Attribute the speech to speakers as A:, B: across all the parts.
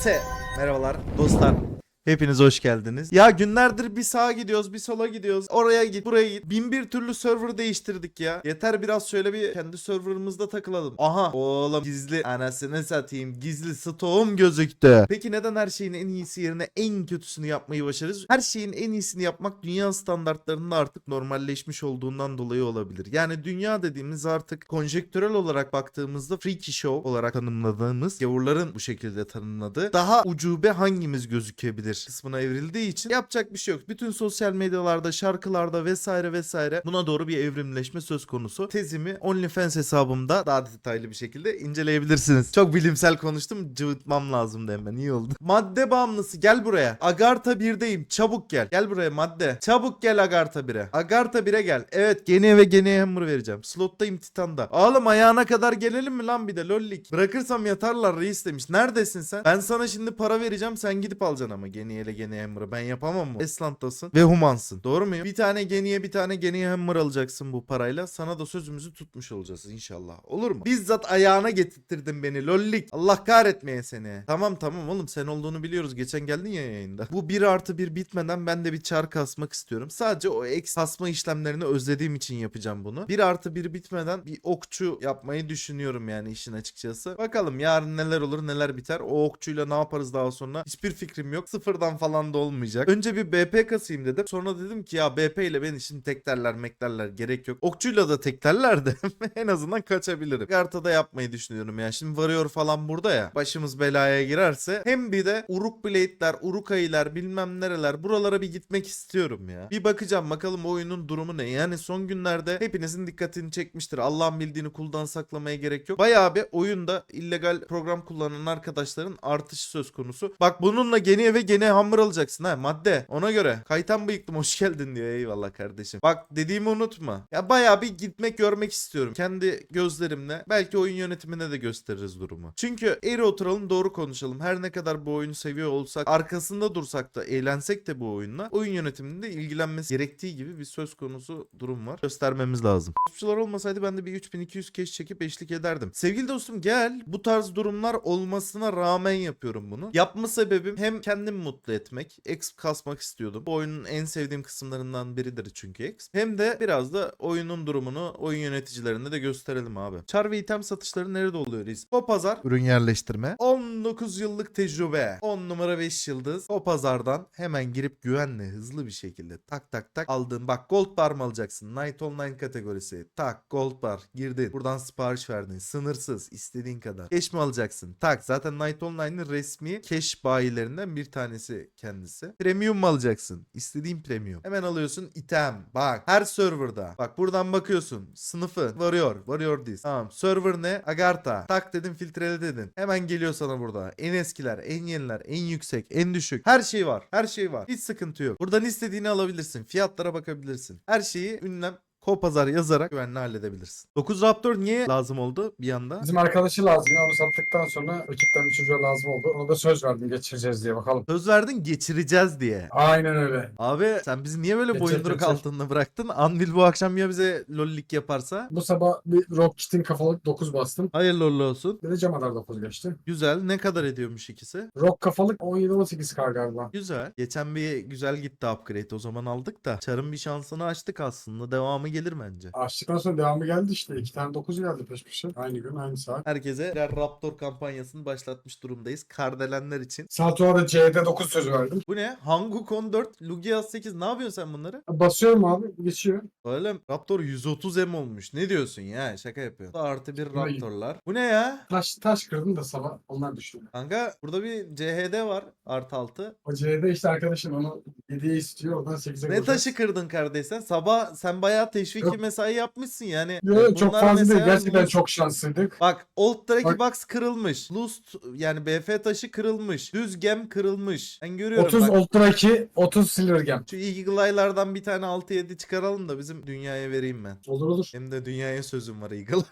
A: Merhabalar dostlar. Hepiniz hoş geldiniz. Ya günlerdir bir sağa gidiyoruz, bir sola gidiyoruz. Oraya git, buraya git. Bin bir türlü server değiştirdik ya. Yeter biraz şöyle bir kendi serverımızda takılalım. Aha oğlum gizli anasını satayım. Gizli stoğum gözüktü. Peki neden her şeyin en iyisi yerine en kötüsünü yapmayı başarırız? Her şeyin en iyisini yapmak dünya standartlarında artık normalleşmiş olduğundan dolayı olabilir. Yani dünya dediğimiz artık konjektürel olarak baktığımızda freaky show olarak tanımladığımız, gavurların bu şekilde tanımladığı daha ucube hangimiz gözükebilir kısmına evrildiği için yapacak bir şey yok. Bütün sosyal medyalarda, şarkılarda vesaire vesaire buna doğru bir evrimleşme söz konusu. Tezimi OnlyFans hesabımda daha detaylı bir şekilde inceleyebilirsiniz. Çok bilimsel konuştum. Cıvıtmam lazımdı hemen. İyi oldu. Madde bağımlısı gel buraya. Agartha 1'deyim. Çabuk gel. Gel buraya madde. Çabuk gel Agartha 1'e. Agartha 1'e gel. Evet gene ve gene hammer vereceğim. Slottayım Titan'da. Oğlum ayağına kadar gelelim mi lan bir de lollik. Bırakırsam yatarlar reis demiş. Neredesin sen? Ben sana şimdi para vereceğim. Sen gidip alacaksın ama. Geniye ile Geniye Hammer'ı. Ben yapamam mı? Eslantasın ve humansın. Doğru muyum? Bir tane Geniye bir tane Geniye Hammer alacaksın bu parayla. Sana da sözümüzü tutmuş olacağız inşallah. Olur mu? Bizzat ayağına getirttirdin beni lollik. Allah kahretmeye seni. Tamam oğlum sen olduğunu biliyoruz. Geçen geldin ya yayında. Bu 1+1 bitmeden ben de bir çar kasmak istiyorum. Sadece o X kasma işlemlerini özlediğim için yapacağım bunu. 1+1 bitmeden bir okçu yapmayı düşünüyorum yani işin açıkçası. Bakalım yarın neler olur neler biter. O okçuyla ne yaparız daha sonra? Hiçbir fikrim yok. Sıfırdan falan da olmayacak. Önce bir BP kasayım dedim. Sonra dedim ki ya BP ile beni şimdi teklerler meklerler gerek yok. Okçuyla da teklerler de en azından kaçabilirim. Garta'da yapmayı düşünüyorum ya. Şimdi varıyor falan burada ya. Başımız belaya girerse hem bir de Uruk Blade'ler, Uruk-hai'ler bilmem nereler buralara bir gitmek istiyorum ya. Bir bakacağım bakalım oyunun durumu ne? Yani son günlerde hepinizin dikkatini çekmiştir. Allah'ın bildiğini kuldan saklamaya gerek yok. Bayağı bir oyunda illegal program kullanan arkadaşların artışı söz konusu. Bak bununla gene ve gene hamur alacaksın ha madde. Ona göre. Kaytan bıyıklım hoş geldin diyor. Eyvallah kardeşim. Bak dediğimi unutma. Ya bayağı bir gitmek görmek istiyorum. Kendi gözlerimle. Belki oyun yönetimine de gösteririz durumu. Çünkü eğri oturalım doğru konuşalım. Her ne kadar bu oyunu seviyor olsak arkasında dursak da eğlensek de bu oyunla oyun yönetiminde ilgilenmesi gerektiği gibi bir söz konusu durum var. Göstermemiz lazım. Topçular olmasaydı ben de bir 3200 keş çekip eşlik ederdim. Sevgili dostum gel. Bu tarz durumlar olmasına rağmen yapıyorum bunu. Yapma sebebim hem kendimi mutlu etmek. Exp kasmak istiyordum. Bu oyunun en sevdiğim kısımlarından biridir çünkü Exp. Hem de biraz da oyunun durumunu oyun yöneticilerine de gösterelim abi. Char ve item satışları nerede oluyor reis? O pazar ürün yerleştirme. 19 yıllık tecrübe. 10 numara 5 yıldız. O pazardan hemen girip güvenle hızlı bir şekilde tak tak tak aldığın bak gold bar mı alacaksın? Night Online kategorisi. Tak gold bar girdin. Buradan sipariş verdin. Sınırsız istediğin kadar. Cash mi alacaksın? Tak zaten Night Online'ın resmi cash bayilerinden bir tanesi kendisi. Premium mu alacaksın? İstediğin premium. Hemen alıyorsun item. Bak her serverda. Bak buradan bakıyorsun. Sınıfı. Varıyor this. Tamam. Server ne? Agartha. Tak dedim filtrele dedin. Hemen geliyor sana burada. En eskiler, en yeniler, en yüksek, en düşük. Her şey var. Her şey var. Hiç sıkıntı yok. Buradan istediğini alabilirsin. Fiyatlara bakabilirsin. Her şeyi ünlem Kopazar yazarak güvenle halledebilirsin. 9 Raptor niye lazım oldu bir anda?
B: Bizim arkadaşı lazım. Onu sattıktan sonra ekipten bir çocuğa lazım oldu. Ona da söz verdim geçireceğiz diye bakalım.
A: Söz verdin geçireceğiz diye.
B: Aynen öyle.
A: Abi sen bizi niye böyle
B: Geçir,
A: boyunduruk
B: geçir.
A: altında bıraktın? Anvil bu akşam ya bize lollik yaparsa?
B: Bu sabah bir Rocket'in kafalık 9 bastım.
A: Hayırlı uğurlu olsun.
B: Bir de Camadar 9 geçti.
A: Güzel. Ne kadar ediyormuş ikisi?
B: Rock kafalık 17-18K galiba.
A: Güzel. Geçen bir güzel gitti upgrade. O zaman aldık da. Çar'ın bir şansını açtık aslında. Devamı gelir bence.
B: Açtıktan sonra devamı geldi işte. 2 tane 9 geldi peş peşe. Aynı gün aynı saat.
A: Herkese birer Raptor kampanyasını başlatmış durumdayız. Kardelenler için.
B: Saat sonra da C'de 9 söz verdim.
A: Bu ne? Hanguk 14, Lugia 8. Ne yapıyorsun sen bunları?
B: Basıyorum abi geçiyor.
A: Öyle mi? Raptor 130M olmuş. Ne diyorsun ya? Şaka yapıyorsun. Artı bir
B: Vay.
A: Raptorlar. Bu ne ya?
B: Taş kırdım da sabah onlar düştü.
A: Kanka burada bir CHD var. Artı 6.
B: O C'de işte arkadaşım onu 7'ye istiyor. Oradan 8'e
A: Ne taşı kırdın kardeş sen? Sabah sen bayağı teşviki
B: Yok.
A: mesai yapmışsın yani.
B: Yok, çok
A: Bunlar
B: fazla değil.
A: mesela
B: Gerçekten
A: Lust-
B: çok şanslıydık.
A: Bak Old Draki
B: Bak.
A: Box kırılmış. Lust yani BF taşı kırılmış. Düz gem kırılmış. Ben görüyorum
B: 30
A: bak.
B: Ultra 2, 30 Silver Gem.
A: Şu Eagle-Eye'lardan bir tane 6-7 çıkaralım da bizim dünyaya vereyim ben.
B: Olur olur.
A: Hem de dünyaya sözüm var Eagle-Eye.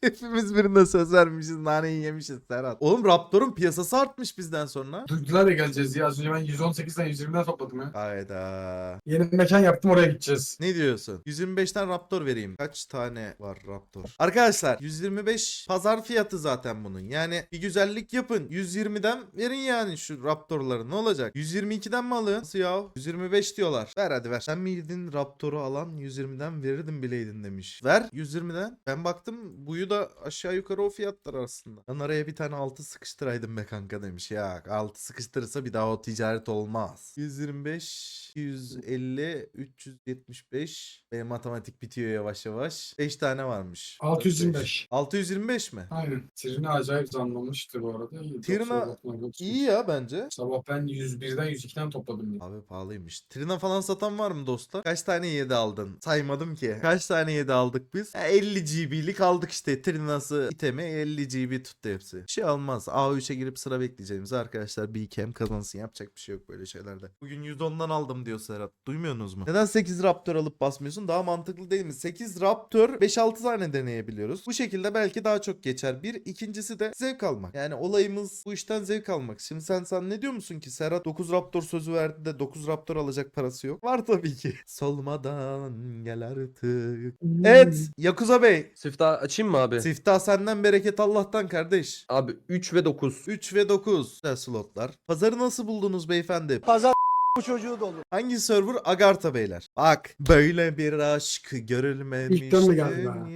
A: Hepimiz birine söz vermişiz. Naneyi yemişiz Serhat. Oğlum Raptor'un piyasası artmış bizden sonra.
B: Duydular ya geleceğiz ya. Az önce ben 118'den 120'den topladım ya.
A: Hayda.
B: Yeni bir mekan yaptım, oraya gideceğiz.
A: Ne diyorsun? 125'ten Raptor vereyim. Kaç tane var Raptor? Arkadaşlar 125 pazar fiyatı zaten bunun. Yani bir güzellik yapın. 120'den verin yani şu Raptor'ları. Ne olacak? 122'den mi alın? Nasıl ya? 125 diyorlar. Ver hadi ver. Sen miydin Raptor'u alan 120'den verirdim bileydin demiş. Ver 120'den. Ben baktım buyu da aşağı yukarı o fiyatlar aslında. Ben araya bir tane 6 sıkıştıraydım be kanka demiş. Ya 6 sıkıştırırsa bir daha o ticaret olmaz. 125 150 375 benim matematik bitiyor yavaş yavaş. 5 tane varmış.
B: 625.
A: 625 mi?
B: Aynen. Trina acayip zamlamıştı bu arada. İyi.
A: Trina İyi ya bence.
B: Sabah ben 101'den 102'den topladım.
A: Abi pahalıymış. Trina falan satan var mı dostlar? Kaç tane 7 aldın? Saymadım ki. Kaç tane 7 aldık biz? 50 GB'lik aldık işte. Trina'sı itemi 50 GB tuttu hepsi. Bir şey olmaz. A3'e girip sıra bekleyeceğimiz arkadaşlar bir kem kazansın. Yapacak bir şey yok böyle şeylerde. Bugün 110'dan aldım diyor Serhat. Duymuyorsunuz mu? Neden 8 Raptor alıp basmıyorsun? Daha mantıklı değil mi? 8 Raptor 5-6 tane deneyebiliyoruz. Bu şekilde belki daha çok geçer. Bir. İkincisi de zevk almak. Yani olayımız bu işten zevk almak. Şimdi sen ne diyor musun ki? Serhat 9 Raptor sözü verdi de 9 Raptor alacak parası yok. Var tabii ki. Solmadan gel artık. Evet. Yakuza Bey.
C: Siftah açayım mı abi?
A: Siftah senden bereket Allah'tan kardeş.
C: Abi 3 ve 9.
A: 3 ve 9 slotlar. Pazarı nasıl buldunuz beyefendi?
D: Bu çocuğu da olur.
A: Hangi server? Agartha beyler. Bak böyle bir aşk görülmemiş
B: İlkten mi geldi be?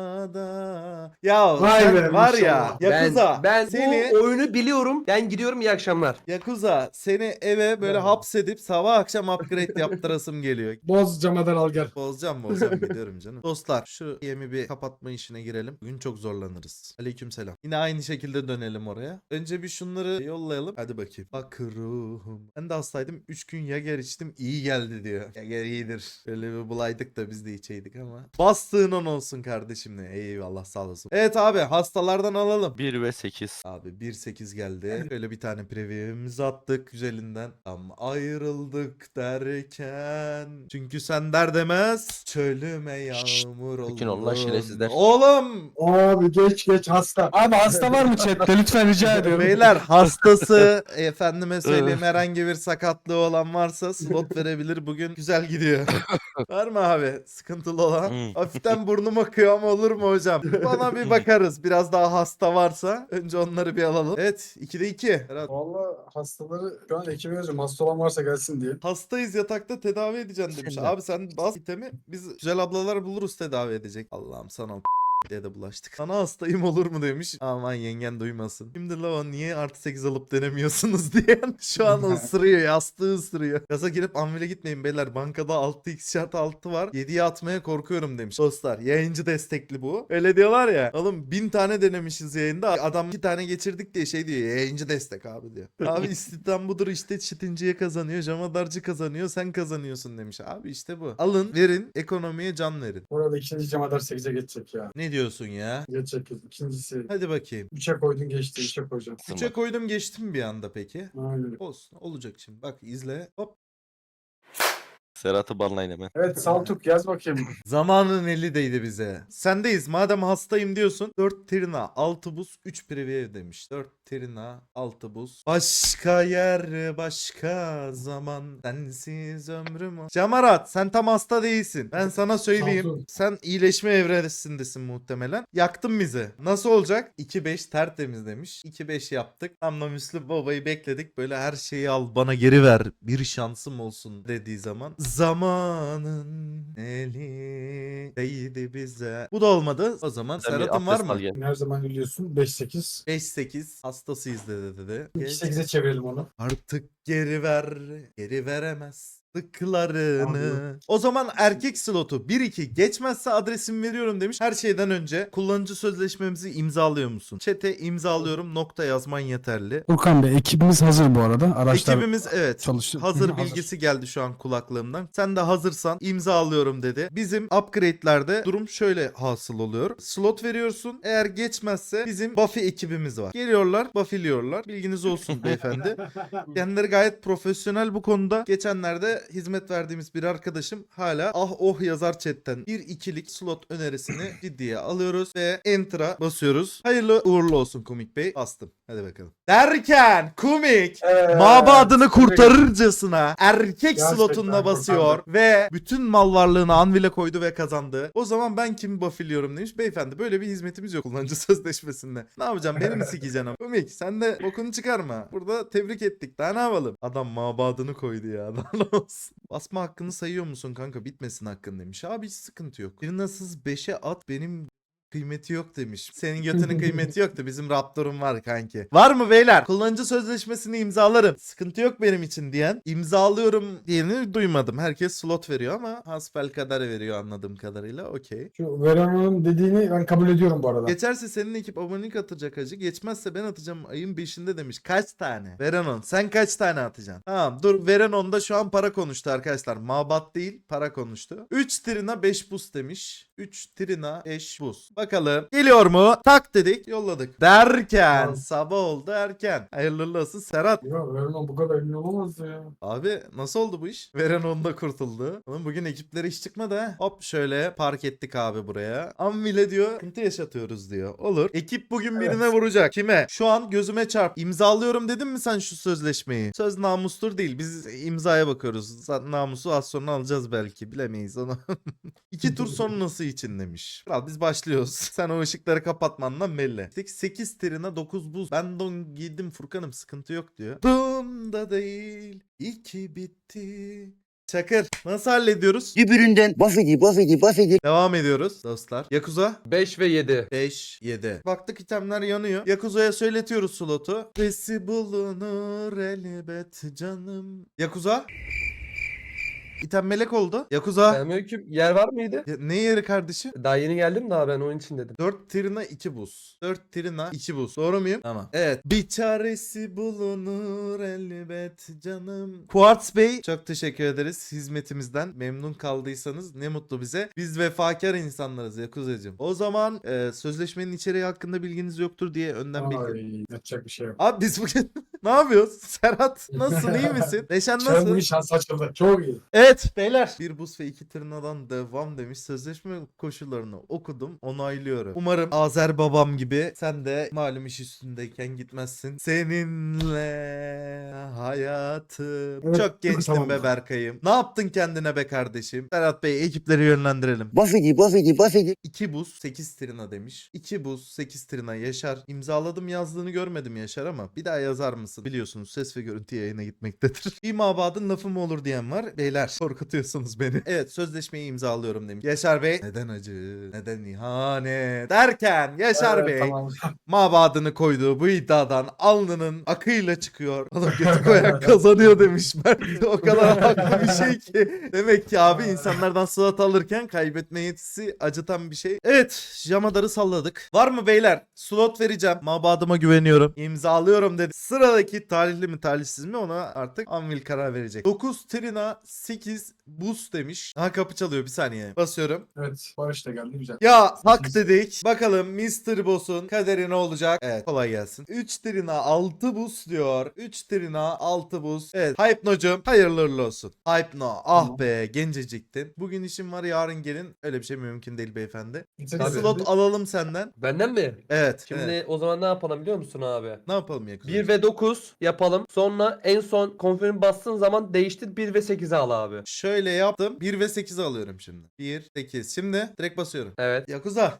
A: dünyada. Ya
B: Vay
A: sen
B: be,
A: var ya
B: maşallah.
A: Yakuza
C: Ben
A: seni
C: bu oyunu biliyorum. Ben gidiyorum, iyi akşamlar.
A: Yakuza seni eve böyle
B: Ya.
A: hapsedip sabah akşam upgrade yaptırasım geliyor.
B: Boz camadan al gel.
A: Bozacağım gidiyorum canım. Dostlar şu yemi bir kapatma işine girelim. Bugün çok zorlanırız. Aleykümselam. Yine aynı şekilde dönelim oraya. Önce bir şunları yollayalım. Hadi bakayım. Bak ruhum. Ben de hastaydım. 3 gün Yager içtim. İyi geldi diyor. Yager iyidir. Öyle bir bulaydık da biz de içeydik ama. Bastığın on olsun kardeşim ne. Eyvallah sağ olasın. Evet abi hastalardan alalım.
E: 1 ve 8.
A: Abi 1.8 geldi. Böyle bir tane preview'imizi attık güzelinden. Tam ayrıldık derken. Çünkü sen der demez. Çölüme yağmur oldu.
E: Sakin ol lan şerefsizler.
A: Oğlum.
B: Abi geç hasta. Abi hasta var mı chatte? Lütfen rica ediyorum.
A: Beyler hastası efendime söyleyeyim herhangi bir sakatlığı olan varsa slot verebilir. Bugün güzel gidiyor. Var mı abi sıkıntılı olan? Hafiften burnum akıyor ama olur mu hocam? Bana bir bakarız. Biraz daha hasta varsa önce onları bir alalım. Evet 2'de 2. Berat,
B: Valla hastaları şu an ekibe yazıyorum. Hasta olan varsa gelsin diye.
A: hastayız yatakta tedavi edeceksin demiş.
E: Sen de.
A: Abi sen bas itemi biz güzel ablalar buluruz tedavi edecek. Allah'ım sana diye de bulaştık. Sana hastayım olur mu demiş. Aman yengen duymasın. Şimdi la niye artı 8 alıp denemiyorsunuz diye şu an ısırıyor. Yastığı ısırıyor. Gaza girip anvile gitmeyin beyler. Bankada 6x şart 6 var. 7'ye atmaya korkuyorum demiş. Dostlar yayıncı destekli bu. Öyle diyorlar ya. Oğlum 1000 tane denemişiz yayında. Adam 2 tane geçirdik diye şey diyor. Yayıncı destek abi diyor. Abi istihdam budur işte çitinciye kazanıyor. Jamadarcı kazanıyor. Sen kazanıyorsun demiş. Abi işte bu. Alın verin. Ekonomiye can verin.
B: Orada ikinci camadar 8'e geçecek ya.
A: Ne diyorsun ya?
B: Geçecek. İkincisi
A: Hadi bakayım.
B: 3'e koydun geçti. 3'e koyacağım.
A: 3'e koydum geçtim bir anda peki.
B: Aynen.
A: Olsun olacak şimdi. Bak izle. Hop.
E: Serhat'ı banlayın hemen.
B: Evet Saltuk yaz bakayım.
A: Zamanın eli değdi bize. Sendeyiz. Madem hastayım diyorsun. 4 Trina, 6 buz, 3 preview demiş. 4 Trina, 6 buz. Başka yer, başka zaman. Sensiz ömrüm o. Camarat sen tam hasta değilsin. Ben sana söyleyeyim.
B: Sağ ol.
A: Sen iyileşme evresindesin muhtemelen. Yaktın bizi. Nasıl olacak? 2-5 tertemiz demiş. 2-5 yaptık. Ama Müslüm Baba'yı bekledik. Böyle her şeyi al bana geri ver. Bir şansım olsun dediği zaman. Zamanın eli değdi bize. Bu da olmadı. O zaman
E: Sen bir
A: Serhat'ın var
E: abdest al
A: mı?
E: gel.
B: Her zaman biliyorsun 5-8.
A: 5-8 hastasıyız dedi.
B: 2-8'e çevirelim onu.
A: Artık geri ver, geri veremez. Tıklarını. O zaman erkek slotu 1-2 geçmezse adresimi veriyorum demiş. Her şeyden önce kullanıcı sözleşmemizi imzalıyor musun? Chat'e imzalıyorum nokta yazman yeterli.
F: Furkan Bey ekibimiz hazır bu arada. Araçlar
A: Ekibimiz evet
F: çalıştı.
A: hazır
F: Hı hı,
A: bilgisi geldi şu an kulaklığımdan. Sen de hazırsan imzalıyorum dedi. Bizim upgrade'lerde durum şöyle hasıl oluyor. Slot veriyorsun. Eğer geçmezse bizim Buffy ekibimiz var. Geliyorlar buffiliyorlar. Bilginiz olsun beyefendi. Kendileri gayet profesyonel bu konuda. Geçenlerde hizmet verdiğimiz bir arkadaşım hala ah oh yazar chatten. Bir ikilik slot önerisini ciddiye alıyoruz ve enter'a basıyoruz. Hayırlı uğurlu olsun Kumik Bey. Bastım. Hadi bakalım. Derken Kumik mabadını kurtarırcasına erkek
B: Gerçekten
A: slotunda basıyor ve bütün mal varlığını Anvil'e koydu ve kazandı. O zaman ben kimi buffiliyorum demiş. Beyefendi böyle bir hizmetimiz yok kullanıcı sözleşmesinde. Ne yapacağım? Beni mi sikeceksin ama? Kumik sen de bokunu çıkarma. Burada tebrik ettik. Daha ne yapalım? Adam mabadını koydu ya. Daha ne olsun? Basma hakkını sayıyor musun kanka? Bitmesin hakkın demiş. Abi hiç sıkıntı yok. Bir nasıl 5'e at benim kıymeti yok demiş. Senin götünün kıymeti yoktu. Bizim Raptor'um var kanki. Var mı beyler? Kullanıcı sözleşmesini imzalarım. Sıkıntı yok benim için diyen. İmzalıyorum diyeni duymadım. Herkes slot veriyor ama hasbelkader veriyor anladığım kadarıyla. Okey.
B: Şu Veron'un dediğini ben kabul ediyorum bu arada.
A: Geçerse senin ekip abonelik atacak hacı. Geçmezse ben atacağım ayın 5'inde demiş. Kaç tane? Verenon. Sen kaç tane atacaksın? Tamam dur. Verenon'da şu an para konuştu arkadaşlar. Mabat değil para konuştu. 3 trina 5 boost demiş. 3 trina 5 boost. Bakalım. Geliyor mu? Tak dedik. Yolladık. Derken
B: Tamam.
A: sabah oldu erken. Hayırlı olsun Serhat.
B: Ya Veron bu kadar ünlü olamaz ya.
A: Abi nasıl oldu bu iş? Verenon da kurtuldu. Oğlum bugün ekiplere iş çıkmadı ha. Hop şöyle park ettik abi buraya. Anvil'e diyor sıkıntı yaşatıyoruz diyor. Olur. Ekip bugün birine vuracak. Kime? Şu an gözüme çarp. İmzalıyorum dedin mi sen şu sözleşmeyi? Söz namustur değil. Biz imzaya bakıyoruz. Namusu az sonra alacağız belki. Bilemeyiz onu. 2 tur sonrası için demiş. Kral biz başlıyoruz. Sen o ışıkları kapatmandan belli. 8 trina 9 buz. Ben don giydim Furkan'ım sıkıntı yok diyor. Bunda değil. 2 bitti. Çakır. Nasıl hallediyoruz?
D: Öbüründen buff edi.
A: Devam ediyoruz dostlar. Yakuza
C: 5 ve 7.
A: 5, 7. Baktık itemler yanıyor. Yakuza'ya söyletiyoruz slotu. Sesi bulunur elbet canım. Yakuza. İtem melek oldu. Yakuza.
C: Selamünaleyküm. Yer var mıydı?
A: Ne yeri kardeşim?
C: Daha yeni geldim daha ben onun için dedim.
A: 4 trina 2 buz. 4 trina 2 buz. Doğru muyum? Tamam. Evet. Bir çaresi bulunur elbet canım. Quartz Bey çok teşekkür ederiz hizmetimizden. Memnun kaldıysanız ne mutlu bize. Biz vefakar insanlarız Yakuzacığım. O zaman sözleşmenin içeriği hakkında bilginiz yoktur diye önden bilgi.
B: Ay, yapacak bir şey yok.
A: Abi biz bugün ne yapıyoruz? Serhat nasılsın iyi misin? Neşen
B: Çöl
A: nasıl?
B: bir şans açıldı. Çok iyi.
A: Evet beyler. Bir buz ve 2 tırnadan devam demiş. Sözleşme koşullarını okudum. Onaylıyorum. Umarım Azer babam gibi sen de malum iş üstündeyken gitmezsin. Seninle hayatım.
B: Evet,
A: Çok gençtin
B: tamam.
A: be Berkay'ım. Ne yaptın kendine be kardeşim? Serhat Bey ekipleri yönlendirelim.
D: Buff edi.
A: 2 buz 8 trina demiş. 2 buz 8 trina Yaşar. İmzaladım yazdığını görmedim Yaşar ama bir daha yazar mısın? Biliyorsunuz ses ve görüntü yayına gitmektedir. Bir mabadın lafı mı olur diyen var. Beyler korkutuyorsunuz beni. Evet sözleşmeyi imzalıyorum demiş. Yaşar Bey. Neden acı? Neden ihanet? Derken Yaşar
B: Evet,
A: Bey
B: tamam.
A: mabadını koyduğu bu iddiadan alnının akıyla çıkıyor. Oğlum götü koyan kazanıyor demiş Mert. O kadar haklı bir şey ki. Demek ki abi insanlardan slot alırken kaybetme yetisi acıtan bir şey. Evet Jamadar'ı salladık. Var mı beyler? Slot vereceğim. Mabadıma güveniyorum. İmzalıyorum dedi. Sıradaki talihli mi talihsiz mi ona artık Anvil karar verecek. 9 trina 8 boost demiş. Ha kapı çalıyor bir saniye. Basıyorum.
B: Evet, Barış da geldi güzel.
A: Ya hak dedik. Bakalım Mr. Boss'un kaderi ne olacak? Evet kolay gelsin. 3 trina 6 boost diyor. 3 trina 6 boost. Evet Hypno'cum hayırlı uğurlu olsun. Hypno ah be genceciktin. Bugün işim var yarın gelin. Öyle bir şey mümkün değil beyefendi. Bir
B: Tabii.
A: slot alalım senden.
C: Benden mi?
A: Evet.
C: Şimdi
A: evet.
C: o zaman ne yapalım biliyor musun abi?
A: Ne yapalım Yakuza?
C: 1 ve 9 yapalım. Sonra en son confirm bastığın zaman değiştir 1 ve 8'i al abi.
A: Şöyle yaptım. 1 ve 8 alıyorum şimdi. 1, 8. Şimdi direkt basıyorum.
C: Evet.
A: Yakuza.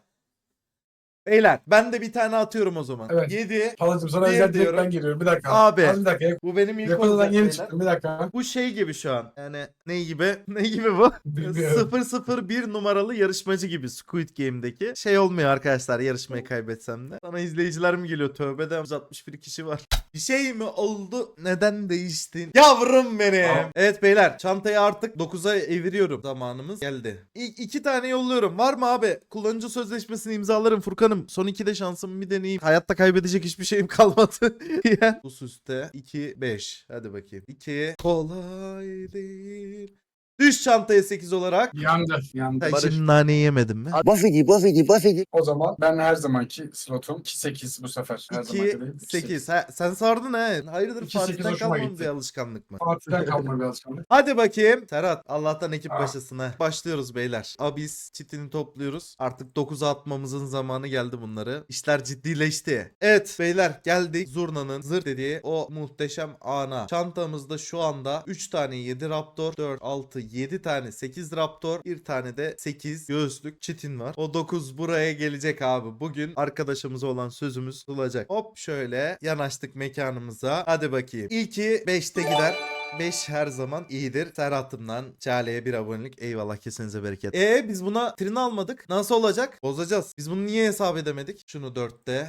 A: Beyler ben de bir tane atıyorum o zaman.
B: Evet.
A: 7.
B: Palacım sana
A: Bir
B: özel
A: diyorum.
B: direkt ben giriyorum. Bir dakika.
A: Abi.
B: Az bir dakika.
A: Bu benim ilk
B: Yakuzadan
A: olacak
B: yeni
A: beyler.
B: çıktım. Bir dakika.
A: Bu şey gibi şu an. Yani ne gibi? Ne gibi bu?
B: Bilmiyorum.
A: 001 numaralı yarışmacı gibi Squid Game'deki. Şey olmuyor arkadaşlar yarışmayı kaybetsem de. Sana izleyiciler mi geliyor? Tövbeden 161 kişi var. Bir şey mi oldu? Neden değiştin? Yavrum benim.
B: Tamam.
A: Evet beyler çantayı artık 9'a eviriyorum. Zamanımız geldi. 2 tane yolluyorum. Var mı abi? Kullanıcı sözleşmesini imzalarım Furkan'ım. Son 2'de şansımı bir deneyeyim. Hayatta kaybedecek hiçbir şeyim kalmadı. Ya. Bu üstte 2 5. Hadi bakayım. 2 kolay değil. Düş çantaya 8 olarak.
B: Yandı. Yandı.
A: Sen
C: Barış.
A: şimdi naneyi yemedin mi?
D: Buffedy, Buffedy, Buffedy.
B: O zaman ben her zamanki slotum 2-8 bu sefer. Her zamanki
A: 2
B: değil,
A: 8. Sen sardın he. Hayırdır
B: 2-8
A: Fatih'ten
B: hoşuma
A: kalmadı
B: gitti.
A: bir alışkanlık mı?
B: Fatih'ten kalma bir alışkanlık.
A: Hadi bakayım. Serhat Allah'tan ekip
B: Ah.
A: başısın ha. Başlıyoruz beyler. Abis çitini topluyoruz. Artık 9'a atmamızın zamanı geldi bunları. İşler ciddileşti. Evet beyler geldik Zurna'nın zır dediği o muhteşem ana. Çantamızda şu anda 3 tane 7 Raptor, 4, 6, 7 tane 8 Raptor, bir tane de 8 göğüslük çitin var. O 9 buraya gelecek abi. Bugün arkadaşımıza olan sözümüz tutulacak. Hop şöyle yanaştık mekanımıza. Hadi bakayım. İlki 5'te gider. 5 her zaman iyidir. Serhat'ımdan Çağla'ya bir abonelik. Eyvallah kesinize bereket. Biz buna trin almadık. Nasıl olacak? Bozacağız. Biz bunu niye hesap edemedik? Şunu 4'te.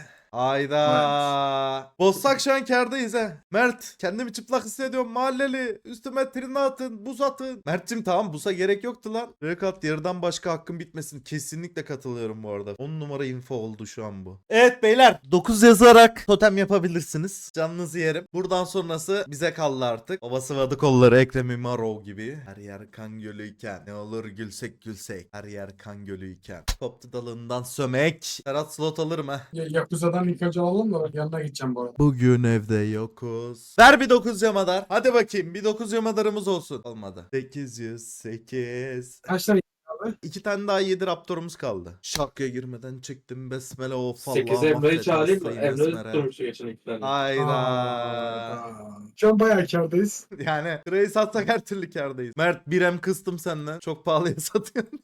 A: Ayda. Bozsak şu an kârdayız he. Mert kendimi çıplak hissediyorum mahalleli. Üstüme trini atın, buz atın. Mert'cim tamam buza gerek yoktu lan. Rekat yarıdan başka hakkım bitmesin. Kesinlikle katılıyorum bu arada. 10 numara info oldu şu an bu. Evet beyler 9 yazarak totem yapabilirsiniz. Canınızı yerim. Buradan sonrası bize kaldı artık. Baba sıvadı kolları Ekrem İmamoğlu gibi. Her yer kan gölüyken. Ne olur gülsek gülsek. Her yer kan gölüyken. Koptu dalından sömek. Serhat slot alırım ha.
B: Yakuza'dan ilk önce alalım da yanına gideceğim bu arada.
A: Bugün evde yokuz. Ver bir 9 yamadar. Hadi bakayım bir 9 yamadarımız olsun. Olmadı. 808.
B: Kaç tane
A: 2 tane daha 7 raptorumuz kaldı. Şarkıya girmeden çektim besmele of Allah.
G: 8 Emre'yi
A: affet
G: çağırayım mı?
A: hastayı
G: Emre
A: besmele.
G: tutturmuştu geçen iki tane.
A: Hayda.
B: Şu an bayağı kârdayız.
A: Yani sırayı satsak her türlü kârdayız. Mert 1M kıstım senden. Çok pahalıya satıyorsun.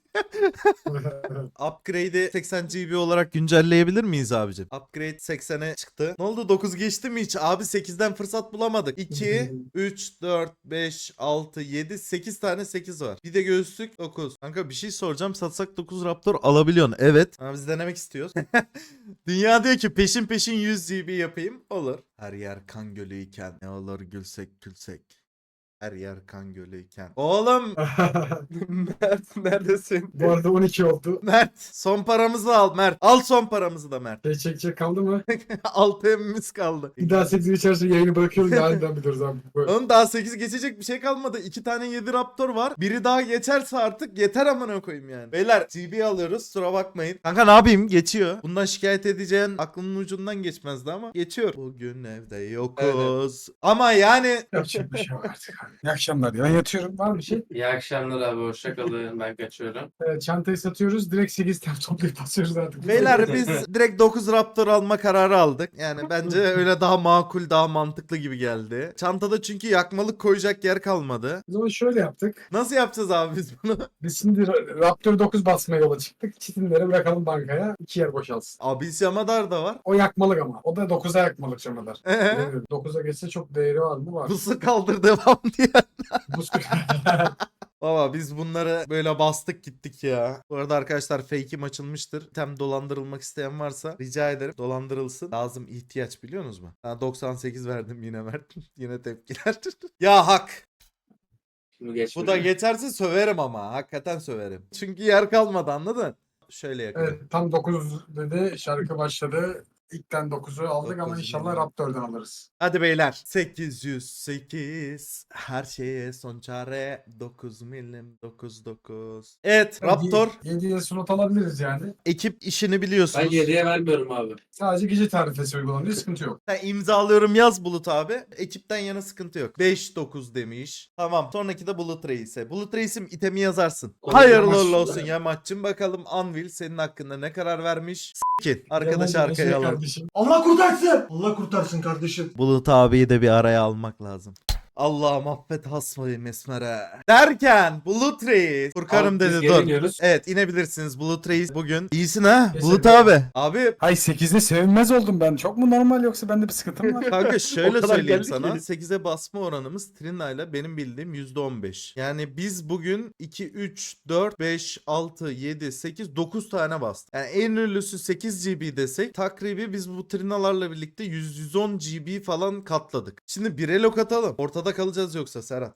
A: Upgrade'i 80 GB olarak güncelleyebilir miyiz abicim? Upgrade 80'e çıktı. Ne oldu 9 geçti mi hiç? Abi 8'den fırsat bulamadık. 2, 3, 4, 5, 6, 7, 8 tane 8 var. Bir de göğüslük 9. Kanka bir şey soracağım. Satsak 9 Raptor alabiliyorsun. Evet. Ama biz denemek istiyoruz. Dünya diyor ki peşin peşin 100 GB yapayım. Olur. Her yer kan gölüyken ne olur gülsek gülsek. Her yer kan gölüyken. Oğlum
C: Mert neredesin?
B: Bu arada 12 oldu.
A: Mert son paramızı al Mert. Al son paramızı da Mert.
B: Çekecek kaldı mı?
A: 6 emimiz kaldı.
B: Bir daha 8 geçerse yayını bırakıyoruz. Yarından biliyoruz abi. Böyle.
A: Oğlum daha 8 geçecek bir şey kalmadı. 2 tane 7 Raptor var. Biri daha geçerse artık yeter amına koyayım yani. Beyler GB alıyoruz. Kusura bakmayın. Kanka ne yapayım? Geçiyor. Bundan şikayet edeceğin aklının ucundan geçmezdi ama geçiyor. Bugün evde yokuz. Ama yani
B: Yapacak bir şey yok artık. İyi akşamlar ya. Ben yatıyorum. Var mı bir şey?
G: İyi akşamlar abi. Hoşça kalın. Ben kaçıyorum.
B: Çantayı satıyoruz. Direkt 8 tane toplayıp basıyoruz artık.
A: beyler biz direkt 9 Raptor alma kararı aldık. Yani bence öyle daha makul, daha mantıklı gibi geldi. Çantada çünkü yakmalık koyacak yer kalmadı.
B: O zaman şöyle yaptık.
A: Nasıl yapacağız abi biz bunu?
B: Biz şimdi Raptor 9 basmaya yola çıktık. Çitinleri bırakalım bankaya. 2 yer boşalsın.
A: Abis Yamadar da var.
B: O yakmalık ama. O da 9'a yakmalık şamalar. 9'a geçse çok değeri var mı? Var.
A: Pusu kaldır devam diye.
B: Buz
A: Baba biz bunları böyle bastık gittik ya. Bu arada arkadaşlar fake'im açılmıştır. Tem dolandırılmak isteyen varsa rica ederim dolandırılsın. Lazım ihtiyaç biliyorsunuz mu? Ha, 98 verdim yine Mert. Yine tepkiler. Ya hak.
G: Şimdi geç.
A: Bu da geçerse söverim ama. Hakikaten söverim. Çünkü yer kalmadı anladın? Şöyle yakıyorum.
B: Evet, tam 9 dedi. Şarkı başladı. İlkten 9'u aldık ama
A: 9'u
B: inşallah
A: yine.
B: Raptor'dan alırız.
A: Hadi beyler. 808. Her şeye son çare. 9 milim 99. Evet Raptor.
B: 7'ye slot alabiliriz yani.
A: Ekip işini biliyorsunuz.
G: Ben 7'ye vermiyorum abi.
B: Sadece gece tarifesi uygulanıyor. Sıkıntı yok.
A: Sen imzalıyorum yaz Bulut abi. Ekipten yana sıkıntı yok. 5-9 demiş. Tamam. Sonraki de Bulut Reis'e. Bulut Reis'im itemi yazarsın.
G: Olur,
A: Hayırlı
B: yamaç.
A: uğurlu olsun Yamaç'cım. Bakalım Anvil senin hakkında ne karar vermiş? S**kin. Arkadaşı
B: Yalan
A: arkaya
B: şey
A: alalım.
B: kardeşim.
H: Allah kurtarsın. Allah kurtarsın kardeşim.
A: Bulut abiyi de bir araya almak lazım. Allah'ım affet hasmayı mesmere. Derken Bulut Reis. Furkanım
G: Abi biz
A: dedi
G: geri
A: dur.
G: iniyoruz.
A: Evet inebilirsiniz Bulut Reis bugün. İyisin ha
B: Kesin.
A: Bulut abi. Abi
B: Hay 8'de sevinmez oldum ben. Çok mu normal yoksa bende bir sıkıntım var?
A: kanka şöyle
C: O kadar
A: söyleyeyim
C: geldik
A: sana.
C: ki.
A: 8'e basma oranımız Trina ile benim bildiğim %15. Yani biz bugün 2, 3, 4, 5, 6, 7, 8, 9 tane bastık. Yani en ünlüsü 8 GB desek takribi biz bu Trina'larla birlikte 100-110 GB falan katladık. Şimdi 1'e lok atalım. Ortada kalacağız yoksa Serhat.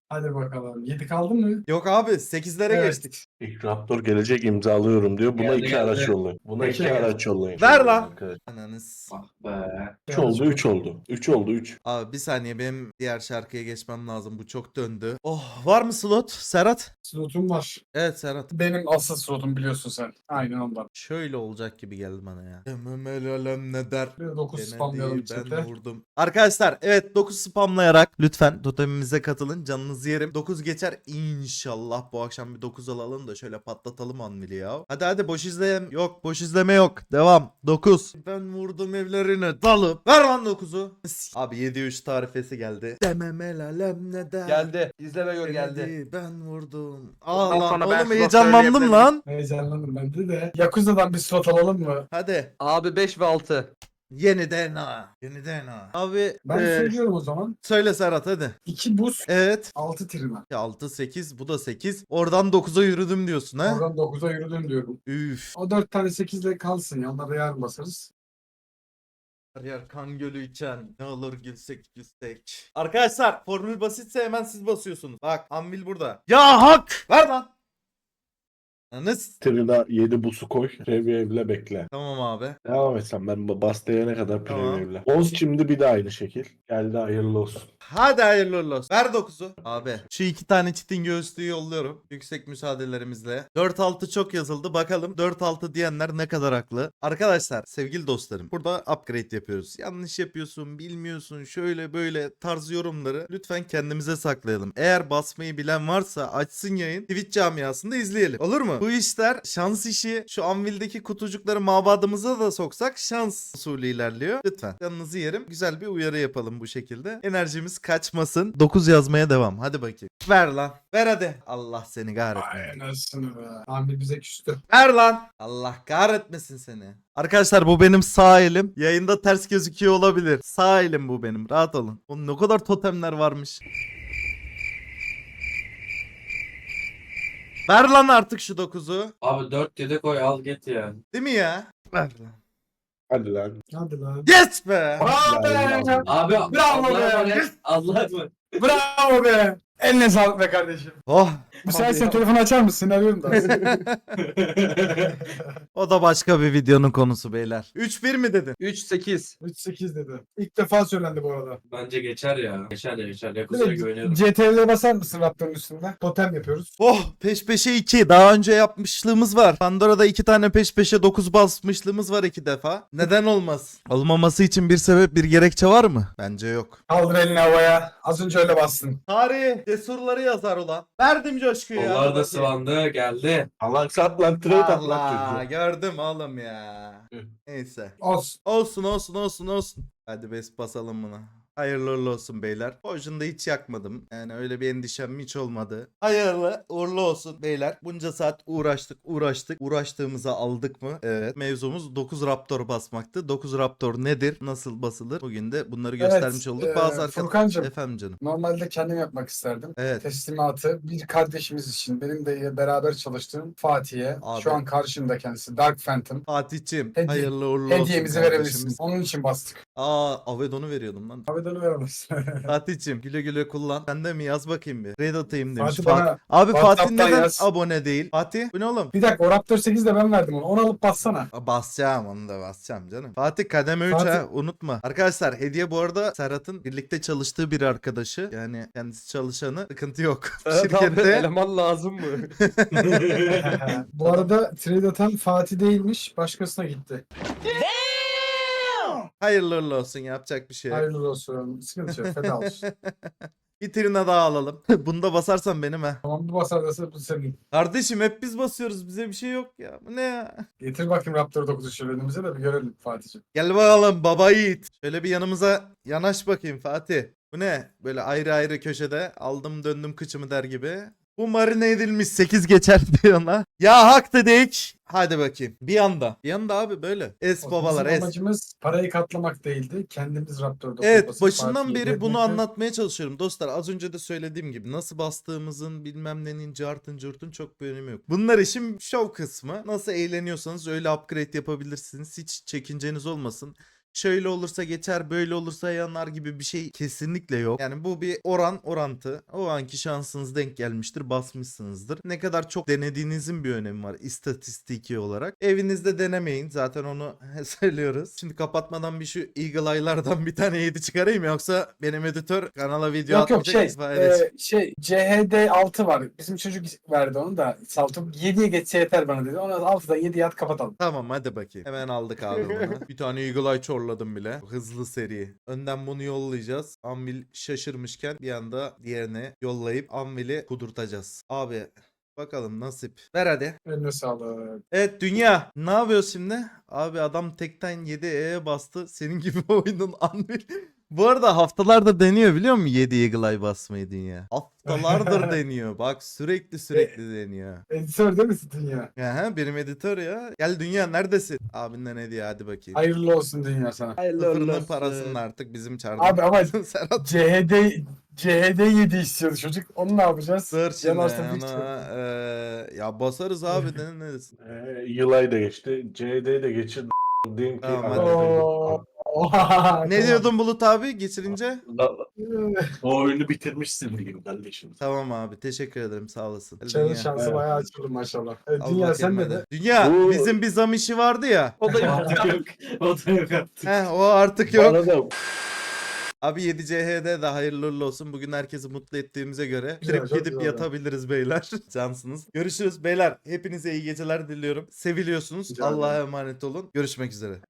B: Hadi bakalım. 7 kaldı mı?
A: Yok abi 8'lere
B: Evet.
A: geçtik.
I: İlk Raptor gelecek imzalıyorum diyor. Buna
G: Geldi,
I: 2
G: geldi.
I: araç yollayın. Buna
B: Peki.
I: 2 araç yollayın.
A: Ver lan.
I: Arkadaşlar.
A: Ananız.
G: Ah be.
I: 3 oldu 3 oldu. 3 oldu 3.
A: Abi bir saniye benim diğer şarkıya geçmem lazım. Bu çok döndü. Oh var mı slot Serhat?
B: Slotum var.
A: Evet Serhat.
B: Benim asıl slotum biliyorsun sen. Aynen ondan.
A: Şöyle olacak gibi geldi bana ya. Demem el alem ne der.
B: Bir de 9
A: Gene
B: spamlayalım
A: değil,
B: chat'e.
A: ben vurdum. Arkadaşlar evet 9 spamlayarak lütfen totemimize katılın. Canınızı yerim. 9 geçer inşallah. Bu akşam bir 9 alalım da şöyle patlatalım Anvil'i ya. Hadi boş izleyem. Yok boş izleme yok. Devam. 9. Ben vurdum evlerine dalıp. Ver lan 9'u. Abi 7-3 tarifesi geldi. Demem el alem ne der.
C: Geldi. İzle ve gör
A: Gene
C: geldi.
A: değil, ben vurdum.
C: Ondan
A: Aa lan
C: sonra ben
A: oğlum
C: slot
A: heyecanlandım
C: söyleyebilirim.
A: lan.
B: Heyecanlandım bende de. Yakuza'dan bir slot alalım mı?
A: Hadi.
C: Abi 5 ve 6.
A: Yeniden ha. Yeniden ha. Abi
B: Ben söylüyorum o zaman.
A: söyle Serhat hadi.
B: 2 buz,
A: Evet.
B: 6 trina.
A: 6 8 bu da 8. Oradan 9'a yürüdüm diyorsun ha?
B: Oradan 9'a yürüdüm diyorum.
A: Üf.
B: O 4 tane 8 ile kalsın ya. Onları yarın basarız.
A: Her yer kan gölü içen. Ne olur gülsek gülsek. Arkadaşlar formül basitse hemen siz basıyorsunuz. Bak Anvil burada. Ya hak! Ver lan. Anız.
I: Trina 7 busu koy. Preview'le bekle.
A: Tamam abi.
I: Devam etsem ben bas diyene kadar
A: Tamam.
I: preview'le. Oz şimdi bir de aynı şekil. Geldi hayırlı olsun.
A: Hadi hayırlı uğurlu olsun. Ver 9'u. Abi şu 2 tane çitin göğüslüğü yolluyorum. Yüksek müsaadelerimizle. 4-6 çok yazıldı. Bakalım 4-6 diyenler ne kadar haklı. Arkadaşlar sevgili dostlarım. Burada upgrade yapıyoruz. Yanlış yapıyorsun, bilmiyorsun, şöyle böyle tarz yorumları lütfen kendimize saklayalım. Eğer basmayı bilen varsa açsın yayın. Twitch camiasında izleyelim. Olur mu? Bu işler şans işi. Şu Anvil'deki kutucukları mabadımıza da soksak şans usulü ilerliyor. Lütfen canınızı yerim. Güzel bir uyarı yapalım bu şekilde. Enerjimiz kaçmasın. 9 yazmaya devam. Hadi bakayım. Ver lan. Ver hadi. Allah seni kahretmesin.
B: Ay nasıl be. Amir bize küstü.
A: Ver lan. Allah kahretmesin seni. Arkadaşlar bu benim sağ elim. Yayında ters gözüküyor olabilir. Sağ elim bu benim. Rahat olun. Oğlum ne kadar totemler varmış. Ver lan artık şu 9'u.
G: Abi 4 7 koy al git ya.
A: Değil mi ya? Ver lan.
I: Hadi lan.
B: Hadi lan.
A: Yes be.
B: Bravo be.
G: Abi
B: Bravo
G: Allah'a
B: be.
G: emanet. Allah'a emanet.
B: Bravo be. Eline sağlık be kardeşim.
A: Oh.
B: Bu sefer sen telefonu açar mısın? Arıyorum da.
A: O da başka bir videonun konusu beyler. 3-1 mi dedin?
C: 3-8.
B: 3-8 dedi. İlk defa söylendi bu arada.
G: Bence geçer ya. Geçer ya geçer.
B: Bir
G: Yakuza'ya
B: de
G: güveniyorum.
B: CTRL'e basar mısın Raptor'un üstünde? Totem yapıyoruz.
A: Oh peş peşe 2. Daha önce yapmışlığımız var. Pandora'da 2 tane peş peşe 9 basmışlığımız var 2 defa. Neden olmaz? Olmaması için bir sebep bir gerekçe var mı? Bence yok.
B: Kaldır elini havaya. Az önce öyle bastın.
A: Tarih cesurları yazar ulan. Verdim coşkuyu ya.
G: Onlar da
A: Bakayım.
G: sıvandı geldi.
I: Allah sat lan trade at lan
A: Allah
I: çocuğu.
A: gördüm oğlum ya.
I: Hı.
A: Neyse.
B: Olsun.
A: Olsun. Hadi bes basalım buna. Hayırlı uğurlu olsun beyler. Potion'da hiç yakmadım. Yani öyle bir endişem hiç olmadı. Hayırlı uğurlu olsun beyler. Bunca saat uğraştık. Uğraştığımıza aldık mı? Evet. Mevzumuz 9 Raptor basmaktı. 9 Raptor nedir? Nasıl basılır? Bugün de bunları göstermiş olduk. Bazı
B: Furkancığım.
A: Efendim canım.
B: Normalde kendim yapmak isterdim.
A: Evet.
B: Teslimatı bir kardeşimiz için benim de beraber çalıştığım Fatih'e
A: Abi.
B: şu an karşımda kendisi Dark Phantom
A: Fatih'cim
B: Hediye-
A: hayırlı uğurlu olsun
B: hediyemizi
A: kardeşimiz.
B: verebilirsin. Onun için bastık.
A: Avedon'u veriyordum lan.
B: Avedon'u veremezsin.
A: Fatih'cim güle güle kullan. Sen de mi yaz bakayım bir. Raid atayım demiş.
B: Fatih bana
A: Abi Fatih
B: WhatsApp'tan
A: neden
B: yaz.
A: abone değil? Fatih bu ne oğlum?
B: Bir dakika o Raptor 8 de ben verdim onu. Onu alıp bassana.
A: Basacağım onu da basacağım canım. Fatih kademe 3
B: Fatih-
A: ha unutma. Arkadaşlar hediye bu arada Serhat'ın birlikte çalıştığı bir arkadaşı. Yani kendisi çalışanı sıkıntı yok.
C: Evet abi
A: Şirkette.
C: eleman lazım mı?
B: Bu arada trade atan Fatih değilmiş. Başkasına gitti.
A: Hayırlı uğurlu olsun yapacak bir şey yok.
B: Hayırlı olsun. Sıkıntı yok. Feda olsun.
A: Bir trine daha alalım. Bunu da basarsan benim ha.
B: Tamam bu basar da bu senin.
A: Kardeşim hep biz basıyoruz bize bir şey yok ya. Bu ne ya?
B: Getir bakayım Raptor 9'u şöyle önümüze de bir görelim Fatih'ciğim.
A: Gel bakalım baba yiğit. Şöyle bir yanımıza yanaş bakayım Fatih. Bu ne? Böyle ayrı ayrı köşede aldım döndüm kıçımı der gibi. Bu marine edilmiş 8 geçer diyor ona. Ya hak dedik. Hadi bakayım. Bir anda. Bir anda abi böyle. Es babalar
B: Bizim
A: es.
B: amacımız parayı katlamak değildi. Kendimiz Raptor 9
A: Evet
B: basıp
A: başından
B: Fatih'e
A: beri bunu
B: yetmekle-
A: anlatmaya çalışıyorum dostlar. Az önce de söylediğim gibi nasıl bastığımızın bilmem nenin cartın curtun çok bir önemi yok. Bunlar işin şov kısmı. Nasıl eğleniyorsanız öyle upgrade yapabilirsiniz. Hiç çekinceniz olmasın. şöyle olursa geçer, böyle olursa yanar gibi bir şey kesinlikle yok. Yani bu bir orantı. O anki şansınız denk gelmiştir, basmışsınızdır. Ne kadar çok denediğinizin bir önemi var istatistiki olarak. Evinizde denemeyin. Zaten onu söylüyoruz. Şimdi kapatmadan bir şu Eagle Eye'lardan bir tane 7 çıkarayım yoksa benim editör kanala video
B: Yok yok
A: atmayacak.
B: CHD 6 var. Bizim çocuk verdi onu da. Saltım 7'ye geçse yeter bana dedi. Ona 6'dan 7'ye at kapatalım.
A: Tamam hadi bakayım. Hemen aldık abi bunu. Bir tane Eagle Eye çorladım bile. Hızlı seri. Önden bunu yollayacağız. Anvil şaşırmışken bir anda diğerine yollayıp Anvil'i kudurtacağız. Abi bakalım nasip. Ver hadi.
B: Eline sağlık.
A: Evet dünya. Ne yapıyoruz şimdi? Abi adam tekten 7E'ye bastı. Senin gibi oyunun Anvil. Bu arada haftalardır deniyor biliyor musun 7 Eagle Eye basmayı dünya? Haftalardır deniyor. Bak sürekli deniyor.
B: Editör değil misin dünya?
A: Aha, benim editör ya. Gel dünya neredesin? Abinden hediye hadi bakayım.
B: Hayırlı olsun dünya sana.
A: Sıfırının parasını artık bizim çardan.
B: Abi ama
A: Serhat
B: CHD 7 istiyordu çocuk. Onu ne yapacağız?
A: sır şimdi
B: Yanaştırdık
A: ona,
B: işte.
A: ya basarız abi deneriz.
I: Yılay da geçti. CD'yi de geçir. Diyeyim ki
A: Tamam,
I: adam-
A: hadi.
B: Oo. Oha,
A: Ne
B: tamam.
A: diyordun Bulut abi geçirince?
I: O oyunu bitirmişsin diyeyim kardeşim.
A: Tamam abi teşekkür ederim sağ olasın. Hadi
B: Senin
A: dünya.
B: şansı
I: Evet.
B: bayağı açıldı maşallah.
A: Al
B: Dünya
A: bakayım
B: sen de
A: hadi.
B: de.
A: Dünya
I: Bu-
A: bizim bir zam işi vardı ya.
C: O da
G: Artık yok. O da yok artık.
A: O artık yok.
I: Bana da
A: Abi 7CH'de de hayırlı uğurlu olsun. Bugün herkesi mutlu ettiğimize göre
B: Güzel,
A: trip
B: çok
A: gidip
B: güzel.
A: yatabiliriz beyler. Cansınız. Görüşürüz beyler. Hepinize iyi geceler diliyorum. Seviliyorsunuz.
B: Rica ederim.
A: Allah'a emanet olun. Görüşmek üzere.